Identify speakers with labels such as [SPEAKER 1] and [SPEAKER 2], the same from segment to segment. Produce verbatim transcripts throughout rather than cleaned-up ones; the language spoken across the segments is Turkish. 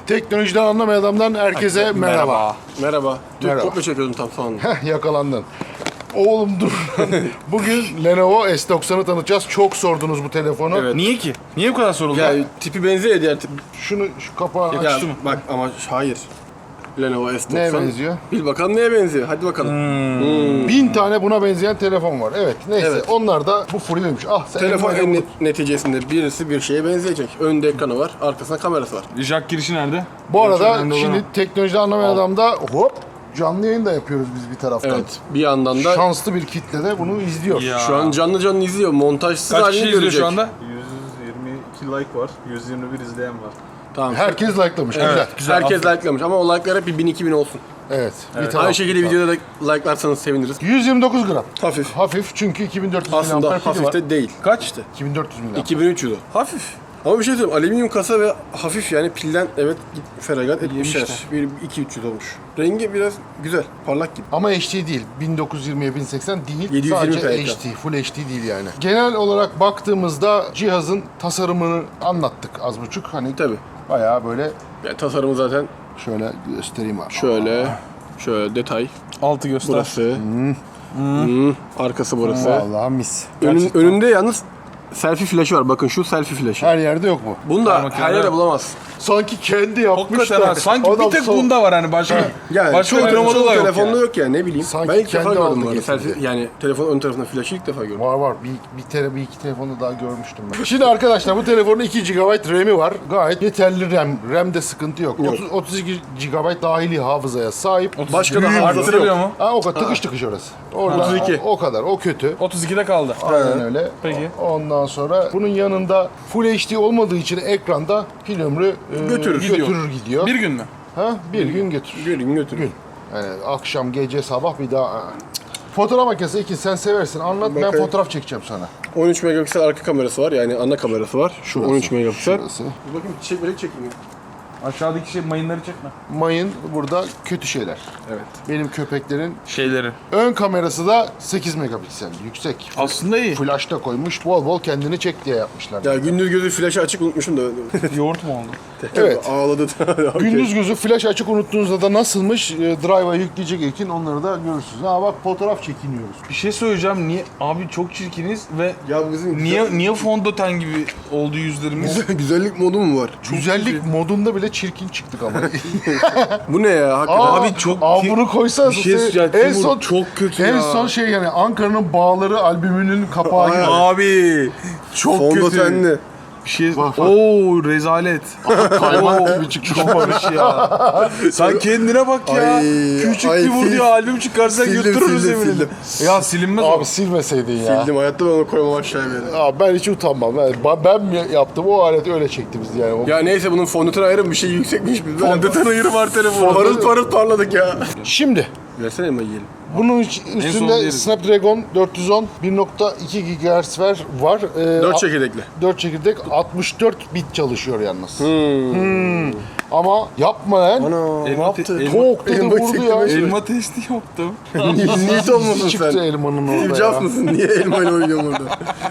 [SPEAKER 1] Teknolojiden anlamayan adamdan herkese merhaba.
[SPEAKER 2] Merhaba. Dün
[SPEAKER 1] Merhaba.
[SPEAKER 2] kopya çekiyordum tam son.
[SPEAKER 1] Heh, yakalandın. Oğlum dur. Bugün Lenovo S doksan'ı tanıtacağız. Çok sordunuz bu telefonu.
[SPEAKER 2] Evet.
[SPEAKER 3] Niye ki? Niye bu kadar soruldu?
[SPEAKER 2] Ya tipi benziyor ya diğer tip.
[SPEAKER 1] Şunu şu kapağı
[SPEAKER 2] Ya,
[SPEAKER 1] aç.
[SPEAKER 2] bak ama hayır. Lenovo S doksan.
[SPEAKER 1] Neye benziyor?
[SPEAKER 2] Bil bakalım neye benziyor. Hadi bakalım. Hmm.
[SPEAKER 1] Bin tane buna benzeyen telefon var. Evet neyse
[SPEAKER 2] Evet.
[SPEAKER 1] onlar da bu furyaymış. Ah sen
[SPEAKER 2] Telefon
[SPEAKER 1] elma-
[SPEAKER 2] en net- neticesinde birisi bir şeye benzeyecek. Önde ekranı var, arkasında kamerası var.
[SPEAKER 3] Jack girişi nerede?
[SPEAKER 1] Bu arada
[SPEAKER 3] Önemli olan
[SPEAKER 1] şimdi
[SPEAKER 3] o.
[SPEAKER 1] teknolojiden anlamayan adamda hop canlı yayın da yapıyoruz biz bir taraftan.
[SPEAKER 2] Evet. Bir yandan da
[SPEAKER 1] Şanslı bir kitle de bunu izliyor.
[SPEAKER 3] Ya.
[SPEAKER 2] şu an canlı canlı izliyor. Montajsız
[SPEAKER 3] Kaç
[SPEAKER 2] halini
[SPEAKER 3] kişi izliyor
[SPEAKER 2] görecek.
[SPEAKER 3] şu anda?
[SPEAKER 4] yüz yirmi iki like var, yüz yirmi bir izleyen var.
[SPEAKER 2] Tamam.
[SPEAKER 1] Herkes like'lamış.
[SPEAKER 2] Evet,
[SPEAKER 1] Güzel.
[SPEAKER 3] güzel,
[SPEAKER 2] Herkes
[SPEAKER 3] aferin.
[SPEAKER 2] likelamış ama o like'lar hep bir bin iki bin olsun.
[SPEAKER 1] Evet. Bir taraf.
[SPEAKER 2] Aynı şekilde videoda da like'larsanız seviniriz.
[SPEAKER 1] yüz yirmi dokuz gram.
[SPEAKER 2] Hafif.
[SPEAKER 1] Hafif çünkü iki bin dört yüz
[SPEAKER 2] Aslında
[SPEAKER 1] miliamper pili
[SPEAKER 2] hafif
[SPEAKER 1] var.
[SPEAKER 2] de değil.
[SPEAKER 3] Kaç?
[SPEAKER 2] İşte.
[SPEAKER 1] iki bin dört yüz miliamper.
[SPEAKER 2] iki bin üç yüz o. Hafif. Ama bir şey söyleyeyim. Alüminyum kasa ve hafif yani pilden evet feragat etmişler. Bir iki üç yüz olmuş. Rengi biraz güzel. Parlak gibi.
[SPEAKER 1] Ama H D değil. bin dokuz yüz yirmiye bin seksen değil.
[SPEAKER 2] yedi yüz yirmi
[SPEAKER 1] Sadece
[SPEAKER 2] p
[SPEAKER 1] H
[SPEAKER 2] ekran.
[SPEAKER 1] D. Full H D değil yani. Genel olarak baktığımızda cihazın tasarımını anlattık az buçuk. Hani
[SPEAKER 2] Tabii.
[SPEAKER 1] bayağı böyle
[SPEAKER 2] Yani tasarımı zaten
[SPEAKER 1] şöyle göstereyim abi.
[SPEAKER 2] şöyle. Şöyle detay.
[SPEAKER 3] Altı göster.
[SPEAKER 2] Burası. Hmm. Arkası burası.
[SPEAKER 1] Vallahi mis.
[SPEAKER 2] Önün, önünde yalnız selfie flaşı var. Bakın şu selfie flaşı.
[SPEAKER 1] Her yerde yok mu?
[SPEAKER 2] Bunu da
[SPEAKER 3] makinede
[SPEAKER 2] her yerde
[SPEAKER 3] yok.
[SPEAKER 2] bulamazsın.
[SPEAKER 1] Sanki kendi yapmış
[SPEAKER 3] Hakikaten
[SPEAKER 1] da.
[SPEAKER 3] ha. Sanki
[SPEAKER 1] Adam
[SPEAKER 3] bir tek
[SPEAKER 1] son-
[SPEAKER 3] bunda var hani başka.
[SPEAKER 2] Yani
[SPEAKER 3] başka
[SPEAKER 2] çoğu,
[SPEAKER 3] uygulamada
[SPEAKER 2] çoğu
[SPEAKER 3] da yok
[SPEAKER 2] telefonda
[SPEAKER 3] yani.
[SPEAKER 2] yok yani ne bileyim.
[SPEAKER 1] Sanki
[SPEAKER 2] ben ilk defa
[SPEAKER 1] kendi
[SPEAKER 2] gördüm
[SPEAKER 1] aldı
[SPEAKER 2] bu arada.
[SPEAKER 1] getirdi.
[SPEAKER 2] Selfie, yani telefonun ön tarafında flaşı ilk defa gördüm.
[SPEAKER 1] Var var. Bir, bir, tele, bir iki telefonu daha görmüştüm ben. Şimdi arkadaşlar bu telefonun iki gigabayt RAM'i var. Gayet yeterli RAM. RAM'de sıkıntı yok.
[SPEAKER 2] Yok.
[SPEAKER 1] otuz, otuz iki gigabayt dahili hafızaya sahip.
[SPEAKER 2] Başka da
[SPEAKER 3] Büyüğü
[SPEAKER 2] hafızası
[SPEAKER 3] arttırılıyor
[SPEAKER 2] yok.
[SPEAKER 3] mu?
[SPEAKER 1] Ha, o kadar tıkış tıkış orası. Orada,
[SPEAKER 2] otuz iki.
[SPEAKER 1] O, o kadar. O kötü.
[SPEAKER 3] otuz ikide kaldı.
[SPEAKER 1] Aynen öyle.
[SPEAKER 3] Peki.
[SPEAKER 1] Ondan sonra bunun yanında Full H D olmadığı için ekranda pil ömrü e,
[SPEAKER 2] Götürür,
[SPEAKER 1] götürür
[SPEAKER 3] gidiyor.
[SPEAKER 1] gidiyor.
[SPEAKER 3] Bir gün mü?
[SPEAKER 1] Ha, bir gün götürür.
[SPEAKER 2] Bir gün götürün.
[SPEAKER 1] Gün. Yani akşam, gece, sabah bir daha. Fotoğraf makinesi iki sen seversin. Anlat ben
[SPEAKER 2] Bakayım.
[SPEAKER 1] fotoğraf çekeceğim sana.
[SPEAKER 2] on üç megapiksel arka kamerası var yani ana kamerası var. Şu
[SPEAKER 1] Şurası,
[SPEAKER 2] on üç megapiksel.
[SPEAKER 1] şurası.
[SPEAKER 2] Dur bakayım çiçek börek çekeyim.
[SPEAKER 3] Aşağıdaki şey mayınları çekme.
[SPEAKER 1] Mayın burada kötü şeyler.
[SPEAKER 2] Evet.
[SPEAKER 1] Benim köpeklerin
[SPEAKER 3] Şeyleri.
[SPEAKER 1] ön kamerası da sekiz megapiksel. Yüksek.
[SPEAKER 3] Aslında iyi.
[SPEAKER 1] Flash da koymuş. Bol bol kendini çek diye yapmışlar.
[SPEAKER 2] Ya gündüz gözü flaşı açık unutmuşum da.
[SPEAKER 3] Yoğurt mu oldu?
[SPEAKER 1] Evet.
[SPEAKER 2] Ağladı. Okey.
[SPEAKER 1] Gündüz gözü flash açık unuttuğunuzda da nasılmış? E, Drive'a yükleyecek ekin onları da görürsünüz. Ha bak fotoğraf çekiniyoruz.
[SPEAKER 3] Bir şey söyleyeceğim. Niye? Abi çok çirkiniz ve
[SPEAKER 2] Ya bizim
[SPEAKER 3] niye niye fondöten gibi oldu yüzlerimiz?
[SPEAKER 2] güzel- güzellik modu mu var?
[SPEAKER 1] Güzellik modunda bile çirkin çıktık ama.
[SPEAKER 2] Bu ne ya hakikaten?
[SPEAKER 1] Aa,
[SPEAKER 3] Abi çok
[SPEAKER 1] Aa,
[SPEAKER 3] ki-
[SPEAKER 1] bunu koysanız
[SPEAKER 3] Bir şey söyleyeceğim,
[SPEAKER 1] en
[SPEAKER 3] Timur,
[SPEAKER 1] son
[SPEAKER 3] çok kötü
[SPEAKER 1] en
[SPEAKER 3] ya.
[SPEAKER 1] son şey yani Ankara'nın Bağları albümünün kapağı gibi.
[SPEAKER 3] Abi çok kötü.
[SPEAKER 2] Fondötenli.
[SPEAKER 3] Bir şey.
[SPEAKER 1] Bak, bak.
[SPEAKER 3] Oo rezalet.
[SPEAKER 1] Kaymak gibi çıkmış.
[SPEAKER 3] Çok barış ya. Sen kendine bak ya.
[SPEAKER 2] Ay,
[SPEAKER 3] Küçük
[SPEAKER 2] ay,
[SPEAKER 3] bir vur
[SPEAKER 2] sil-
[SPEAKER 3] diye albüm çıkarsan
[SPEAKER 2] sildim,
[SPEAKER 3] götürürüz
[SPEAKER 2] sildim,
[SPEAKER 3] eminim.
[SPEAKER 2] sildim.
[SPEAKER 3] Ya silinmez o.
[SPEAKER 1] Abi silmeseydin ya.
[SPEAKER 2] Sildim hayatta ben onu koymam aşağıya bir yere.
[SPEAKER 1] Abi ben hiç utanmam. Ben, ben mi yaptım o alet öyle çekti bizi yani. O-
[SPEAKER 2] Ya neyse bunun fondöten ayırın bir şey yüksekmiş. Biz böyle
[SPEAKER 3] Fondöten ayırı var telefonu.
[SPEAKER 2] parıl parıl parladık ya.
[SPEAKER 1] Şimdi
[SPEAKER 2] Versene elma yiyelim.
[SPEAKER 1] bunun üç-
[SPEAKER 3] son
[SPEAKER 1] üstünde
[SPEAKER 3] yeriz.
[SPEAKER 1] Snapdragon dört yüz on bir nokta iki gigahertz var. var. Ee,
[SPEAKER 2] Dört
[SPEAKER 1] a-
[SPEAKER 2] çekirdekli.
[SPEAKER 1] dört çekirdek altmış dört bit çalışıyor yalnız. Hmm. Ama yapma lan.
[SPEAKER 2] Ana ne
[SPEAKER 3] Elma
[SPEAKER 2] yaptı?
[SPEAKER 3] te- elma-
[SPEAKER 1] Tok dedi
[SPEAKER 2] elma
[SPEAKER 1] vurdu ya.
[SPEAKER 2] çektirme şey.
[SPEAKER 3] Elma testi yaptım.
[SPEAKER 2] Niyet olmasın
[SPEAKER 1] Çıktı
[SPEAKER 2] sen.
[SPEAKER 1] elmanın
[SPEAKER 2] Steve
[SPEAKER 1] orada
[SPEAKER 2] Jobs
[SPEAKER 1] ya.
[SPEAKER 2] mısın? Niye elmayla oynuyorsun orada?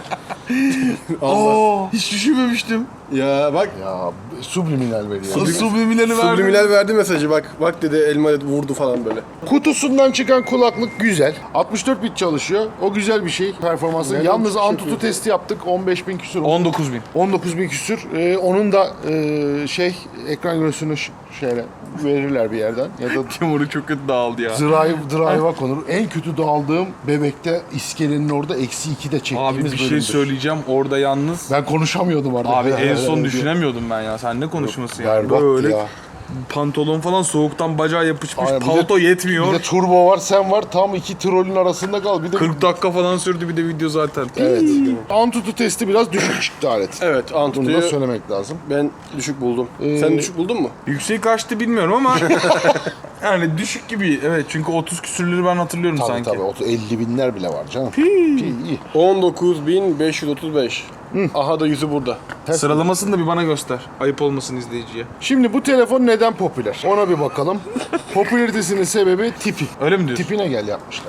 [SPEAKER 3] Aa, hiç düşünmemiştim.
[SPEAKER 2] Ya bak.
[SPEAKER 1] Ya subliminal veriyor.
[SPEAKER 3] Nasıl subliminali verdi?
[SPEAKER 2] Subliminal verdi mesajı bak. Bak dedi elma dedi, vurdu falan böyle.
[SPEAKER 1] Kutusundan çıkan kulaklık güzel. altmış dört bit çalışıyor. O güzel bir şey performansı.
[SPEAKER 2] Nereden
[SPEAKER 1] Yalnız
[SPEAKER 2] çıkıyor
[SPEAKER 1] Antutu
[SPEAKER 2] ki?
[SPEAKER 1] testi yaptık. on beş bin küsur.
[SPEAKER 3] on dokuz bin.
[SPEAKER 1] on dokuz bin küsür. Ee, onun da e, şey ekran görüntüsünü ş- şöyle verirler bir yerden. Ya da
[SPEAKER 3] Timur'u çok kötü dağıldı ya.
[SPEAKER 1] drive, drive'a konur. En kötü dağıldığım bebekte iskelenin orada eksi ikide çektiğimiz
[SPEAKER 3] Abi bir şey
[SPEAKER 1] bölümdür.
[SPEAKER 3] söyleyeceğim orada yalnız.
[SPEAKER 1] Ben konuşamıyordum orada.
[SPEAKER 3] Abi en son
[SPEAKER 1] Diye.
[SPEAKER 3] düşünemiyordum ben ya. Sen ne konuşması ya?
[SPEAKER 1] Berbattı
[SPEAKER 3] Böyle
[SPEAKER 1] ya.
[SPEAKER 3] pantolon falan soğuktan bacağa yapışmış.
[SPEAKER 1] Aynen, bir de-
[SPEAKER 3] Palto yetmiyor.
[SPEAKER 1] Bir de turbo var, sen var. Tam iki trolün arasında kal. Bir de
[SPEAKER 3] kırk dakika falan sürdü bir de video zaten.
[SPEAKER 1] Evet. Antutu testi biraz düşük çıktı alet.
[SPEAKER 2] Evet
[SPEAKER 1] Bunu da
[SPEAKER 2] Antutu'yu
[SPEAKER 1] söylemek lazım.
[SPEAKER 2] ben düşük buldum.
[SPEAKER 1] Ee,
[SPEAKER 2] Sen düşük buldun mu?
[SPEAKER 3] Yüksek kaçtı bilmiyorum ama yani düşük gibi. Evet çünkü otuz küsürleri ben hatırlıyorum
[SPEAKER 1] Tabii
[SPEAKER 3] sanki.
[SPEAKER 1] tabii. otuz elli binler bile var canım. Pi, iyi.
[SPEAKER 2] on dokuz bin beş yüz otuz beş. Aha da yüzü burada.
[SPEAKER 3] Sıralamasını da bir bana göster. Ayıp olmasın izleyiciye.
[SPEAKER 1] Şimdi bu telefon neden popüler? Ona bir bakalım. Popülaritesinin sebebi tipi.
[SPEAKER 3] Öyle mi diyorsun?
[SPEAKER 1] Tipine gel yapmışlar bence.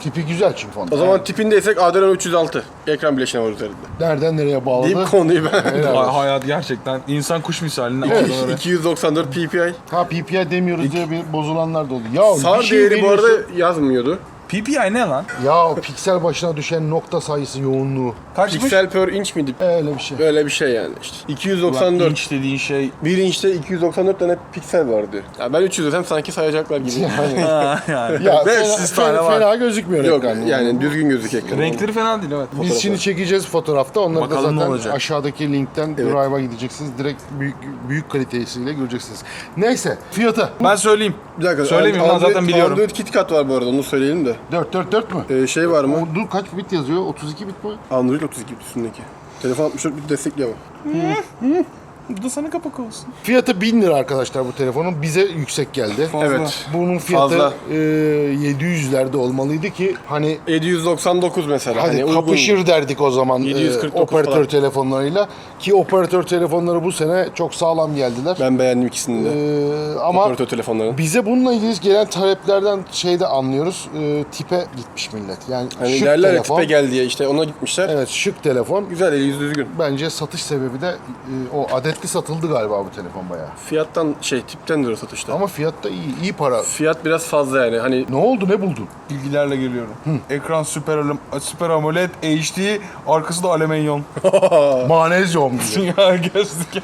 [SPEAKER 1] Tipi güzel çünkü fonda.
[SPEAKER 2] O zaman tipindeysek Adreno üç yüz altı. Ekran bileşeni var üzerinde.
[SPEAKER 1] Nereden nereye bağladı?
[SPEAKER 2] Deyip konuyu ben.
[SPEAKER 1] Helal
[SPEAKER 3] Hay-
[SPEAKER 1] olsun.
[SPEAKER 3] hayat gerçekten insan kuş misalinde.
[SPEAKER 1] Evet.
[SPEAKER 3] aldı oraya.
[SPEAKER 2] iki yüz doksan dört P P I.
[SPEAKER 1] Ha P P I demiyoruz diye bir bozulanlar da oldu. Ya
[SPEAKER 2] Sar
[SPEAKER 1] bir şey
[SPEAKER 2] değeri bu
[SPEAKER 1] veriyorsun-
[SPEAKER 2] arada yazmıyordu.
[SPEAKER 3] P P I ne lan?
[SPEAKER 1] Ya piksel başına düşen nokta sayısı yoğunluğu.
[SPEAKER 3] Kaçmış?
[SPEAKER 2] Piksel per inch miydi?
[SPEAKER 1] Öyle bir şey.
[SPEAKER 2] Öyle bir şey yani işte. iki yüz doksan
[SPEAKER 3] Ulan
[SPEAKER 2] dört.
[SPEAKER 3] inç dediğin şey.
[SPEAKER 2] Bir inçte iki yüz doksan dört tane piksel var diyor. Ya ben üç yüz desem sanki sayacaklar gibi.
[SPEAKER 1] Yani,
[SPEAKER 3] Ha, yani.
[SPEAKER 1] ya
[SPEAKER 3] beş
[SPEAKER 1] fena,
[SPEAKER 3] yüz
[SPEAKER 1] fena,
[SPEAKER 3] tane var.
[SPEAKER 1] fena gözükmüyor
[SPEAKER 2] Yok
[SPEAKER 1] ekran.
[SPEAKER 2] yani düzgün gözük ekran.
[SPEAKER 3] Renkleri fena değil evet.
[SPEAKER 1] Biz şimdi çekeceğiz fotoğrafta. Onları
[SPEAKER 3] Bakalım
[SPEAKER 1] da
[SPEAKER 3] ne
[SPEAKER 1] zaten
[SPEAKER 3] olacak.
[SPEAKER 1] aşağıdaki linkten
[SPEAKER 2] Evet.
[SPEAKER 1] Drive'a gideceksiniz. Direkt büyük büyük kalitesiyle göreceksiniz. Neyse fiyatı.
[SPEAKER 3] Ben söyleyeyim.
[SPEAKER 2] Bir dakika.
[SPEAKER 3] Söyleyeyim ben
[SPEAKER 2] Android-
[SPEAKER 3] zaten biliyorum.
[SPEAKER 2] Android KitKat var bu arada onu söyleyelim de.
[SPEAKER 1] dört dört dört mü?
[SPEAKER 2] Ee, şey var mı?
[SPEAKER 1] O, dur kaç bit yazıyor? otuz iki bit mi?
[SPEAKER 2] Android otuz iki üstündeki. Telefon altmış dört bit destekliyor ama.
[SPEAKER 3] Bu da sana kapak olsun.
[SPEAKER 1] Fiyatı bin lira arkadaşlar bu telefonun. Bize yüksek geldi.
[SPEAKER 3] Fazla.
[SPEAKER 2] Evet.
[SPEAKER 1] Bunun fiyatı
[SPEAKER 2] Fazla.
[SPEAKER 1] e, yedi yüzlerde olmalıydı ki hani
[SPEAKER 2] yedi yüz doksan dokuz mesela.
[SPEAKER 1] hadi
[SPEAKER 2] hani uygun.
[SPEAKER 1] kapışır derdik o zaman
[SPEAKER 2] yedi yüz kırk
[SPEAKER 1] e,
[SPEAKER 2] dokuz
[SPEAKER 1] operatör
[SPEAKER 2] falan.
[SPEAKER 1] telefonlarıyla. Ki operatör telefonları bu sene çok sağlam geldiler.
[SPEAKER 2] Ben beğendim ikisini de.
[SPEAKER 1] E, ama
[SPEAKER 2] Operatör telefonlarını.
[SPEAKER 1] bize bununla ilgili gelen taleplerden şeyde anlıyoruz. E, tipe gitmiş millet. Yani
[SPEAKER 2] Hani
[SPEAKER 1] şık
[SPEAKER 2] derler ya
[SPEAKER 1] telefon.
[SPEAKER 2] tipe gel diye işte ona gitmişler.
[SPEAKER 1] Evet şık telefon.
[SPEAKER 2] Güzel eli yüz düzgün.
[SPEAKER 1] Bence satış sebebi de e, o adetli satıldı galiba bu telefon bayağı.
[SPEAKER 2] Fiyattan şey tipten o satışta.
[SPEAKER 1] Ama fiyat da iyi, iyi para.
[SPEAKER 2] Fiyat biraz fazla yani. Hani
[SPEAKER 1] Ne oldu, ne buldun?
[SPEAKER 3] Bilgilerle geliyorum. Ekran süper, Alam- süper AMOLED H D, arkası da alüminyum.
[SPEAKER 1] Manezyum gibi.
[SPEAKER 3] Ya gözlük.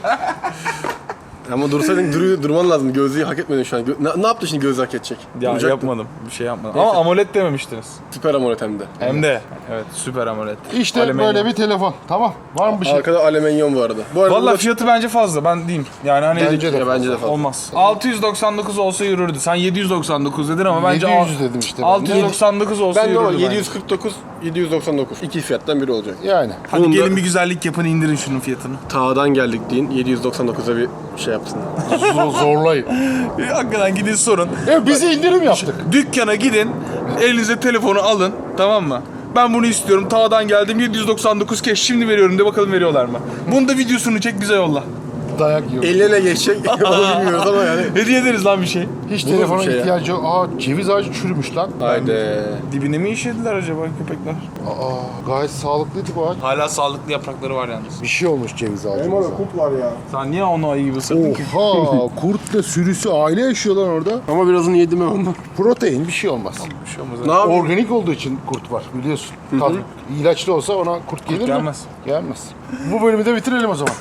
[SPEAKER 2] ama dursaydın dur, durman lazım. Gözlüğü hak etmedin şu an. Gö- ne, ne yaptı şimdi gözlüğü hak edecek?
[SPEAKER 3] Ya
[SPEAKER 2] Duracaktın.
[SPEAKER 3] yapmadım. Bir şey yapmadım. Ama AMOLED dememiştiniz.
[SPEAKER 2] Süper AMOLED hem de.
[SPEAKER 3] Hem de. Evet süper AMOLED.
[SPEAKER 1] İşte
[SPEAKER 3] Alüminyum.
[SPEAKER 1] böyle bir telefon. Tamam. Var mı bir şey?
[SPEAKER 2] Arkada alüminyum bu arada. Bu arada
[SPEAKER 3] Valla
[SPEAKER 2] bu da-
[SPEAKER 3] fiyatı bence fazla ben diyeyim. Yani hani
[SPEAKER 1] Bence de
[SPEAKER 2] Ya bence de
[SPEAKER 1] fazla.
[SPEAKER 2] fazla.
[SPEAKER 3] olmaz. altı yüz doksan dokuz olsa yürürdü. Sen yedi yüz doksan dokuz dedin ama bence
[SPEAKER 1] yedi yüz dedim işte ben.
[SPEAKER 3] altı yüz doksan dokuz olsa
[SPEAKER 2] Ben de
[SPEAKER 3] yürürdü
[SPEAKER 2] ama
[SPEAKER 3] bence.
[SPEAKER 2] yedi yüz kırk dokuz, yedi yüz doksan dokuz. İki fiyattan biri olacak.
[SPEAKER 1] Yani.
[SPEAKER 3] Hadi
[SPEAKER 2] Bunun da-
[SPEAKER 3] gelin bir güzellik yapın indirin şunun fiyatını.
[SPEAKER 2] Tağdan geldik deyin. yedi yüz doksan dokuza bir şey yapsın.
[SPEAKER 1] Zor, zorlayın.
[SPEAKER 3] Hakikaten gidin sorun.
[SPEAKER 1] E bize indirim yaptık.
[SPEAKER 3] Dükkana gidin, elinize telefonu alın, tamam mı? Ben bunu istiyorum, tağdan geldim, yedi yüz doksan dokuz keş şimdi veriyorum de bakalım veriyorlar mı? Bunu da videosunu çek bize yolla.
[SPEAKER 1] Dayak yiyor.
[SPEAKER 2] Eline geçecek onu bilmiyoruz ama yani.
[SPEAKER 3] Hediye ederiz lan bir şey.
[SPEAKER 1] Hiç
[SPEAKER 2] Bu da
[SPEAKER 1] telefona
[SPEAKER 2] bir şey ya.
[SPEAKER 1] ihtiyacı yok. Aa ceviz ağacı çürümüş lan.
[SPEAKER 2] Haydi.
[SPEAKER 3] Dibine mi işediler acaba köpekler?
[SPEAKER 1] Aa gayet sağlıklıydı bu ağaç.
[SPEAKER 3] Hala sağlıklı yaprakları var yalnız.
[SPEAKER 1] Bir şey olmuş ceviz ağacımıza.
[SPEAKER 2] kurt var ya.
[SPEAKER 3] Sen niye onu ayı gibi ısırdın ki?
[SPEAKER 1] Oha kurtla sürüsü aile yaşıyorlar orada.
[SPEAKER 2] Ama birazını yedim ben ondan.
[SPEAKER 1] Protein bir şey olmaz.
[SPEAKER 3] Bir şey olmaz.
[SPEAKER 2] Ne yapayım?
[SPEAKER 1] Organik olduğu için kurt var biliyorsun. Tabii. İlaçlı olsa ona kurt gelir mi?
[SPEAKER 3] gelmez.
[SPEAKER 1] Gelmez. Bu bölümü de bitirelim o zaman.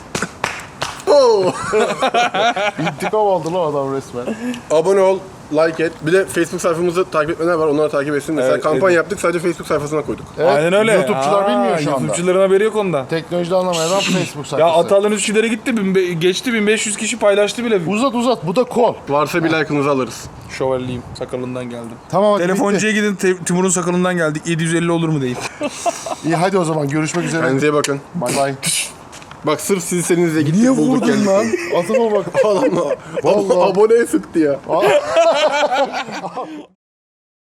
[SPEAKER 1] İntikam aldı lan adam resmen.
[SPEAKER 2] Abone ol, like et. Bir de Facebook sayfamızı takip etmeyenler var. Onları takip etsin. Mesela
[SPEAKER 3] Evet,
[SPEAKER 2] kampanya yaptık. Sadece Facebook sayfasına koyduk.
[SPEAKER 1] Evet,
[SPEAKER 3] Aynen öyle.
[SPEAKER 1] YouTube'çular
[SPEAKER 3] Aa,
[SPEAKER 1] bilmiyor şu anda.
[SPEAKER 3] YouTube'çuların haberi yok onda.
[SPEAKER 1] Teknolojide anlamayan adam Facebook sayfası.
[SPEAKER 3] Ya Atalan Üsküdar'a gitti, bin be- geçti bin beş yüz kişi paylaştı bile.
[SPEAKER 1] Uzat uzat bu da kol.
[SPEAKER 2] Varsa bir like'ınızı alırız.
[SPEAKER 3] Şövalyeyim, sakalından geldim.
[SPEAKER 1] Tamam hadi
[SPEAKER 3] Telefoncuya gidin, Te- Timur'un sakalından geldik. yedi yüz elli olur mu deyip.
[SPEAKER 1] bitti. İyi hadi o zaman görüşmek üzere.
[SPEAKER 2] Kendinize iyi bakın.
[SPEAKER 1] Bay bay.
[SPEAKER 2] Bak sırf sizi seninizle gittik
[SPEAKER 1] Niye
[SPEAKER 2] bulduk
[SPEAKER 1] vurdun
[SPEAKER 2] geldik.
[SPEAKER 1] lan? Adama bak.
[SPEAKER 2] Adamla
[SPEAKER 1] Vallahi.
[SPEAKER 2] aboneye sıktı ya.